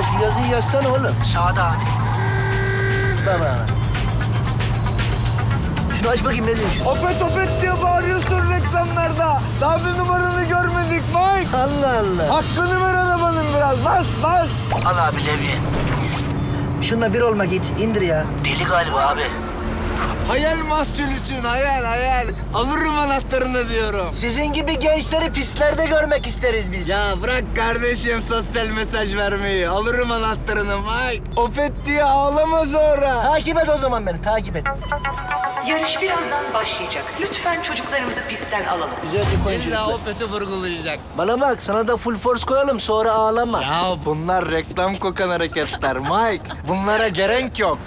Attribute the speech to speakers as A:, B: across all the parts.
A: şu yazıyı yazsana oğlum.
B: Sağda abi.
A: Baba. Şunu aç bakayım ne diyorsun?
C: Opet opet diye bağırıyorsun reklamlarda. Daha bir numaranı görmedik Mike.
A: Allah Allah.
C: Hakkını ver arabanın biraz. Bas bas.
B: Al abi levye.
A: Şununla bir olma git. İndir ya.
B: Deli galiba abi.
D: Hayal mahsulüsün, hayal. Alırım anahtarını diyorum.
A: Sizin gibi gençleri pistlerde görmek isteriz biz.
D: Ya bırak kardeşim sosyal mesaj vermeyi. Alırım anahtarını Mike. Opet diye ağlama sonra.
A: Takip et o zaman beni, takip et.
E: Yarış birazdan başlayacak. Lütfen çocuklarımızı pistten alalım.
A: Güzel bir koyun
D: İlla
A: çocuklar.
D: Opet'i vurgulayacak.
A: Bana bak, sana da full force koyalım, sonra ağlama.
D: Ya bunlar reklam kokan hareketler Mike. Bunlara gerek yok.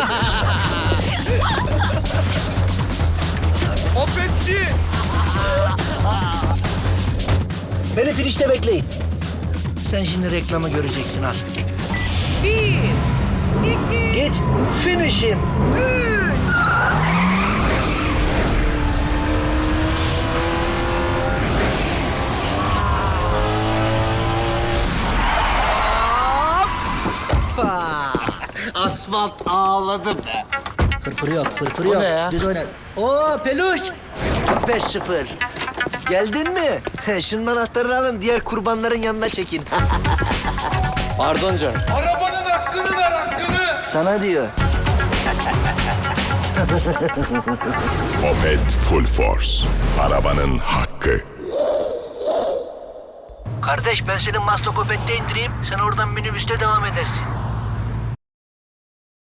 D: Opetçi!
A: Beni finişte bekleyin. Sen şimdi reklamı göreceksin, al.
F: 1, 2,
A: Git, finish him.
F: 3.
D: Asfalt ağladı be.
A: Fırfırı yok, fırfırı
D: O
A: yok.
D: ne ya?
A: Düz oyna. Oo, peluş. 5-0. Geldin mi? Şunun anahtarını alın, diğer kurbanların yanına çekin.
D: Pardon canım.
C: Arabanın hakkını ver hakkını.
A: Sana diyor.
G: Opet Full Force. Arabanın hakkı.
A: Kardeş, ben seni Maslakopet'te indireyim. Sen oradan minibüste devam edersin.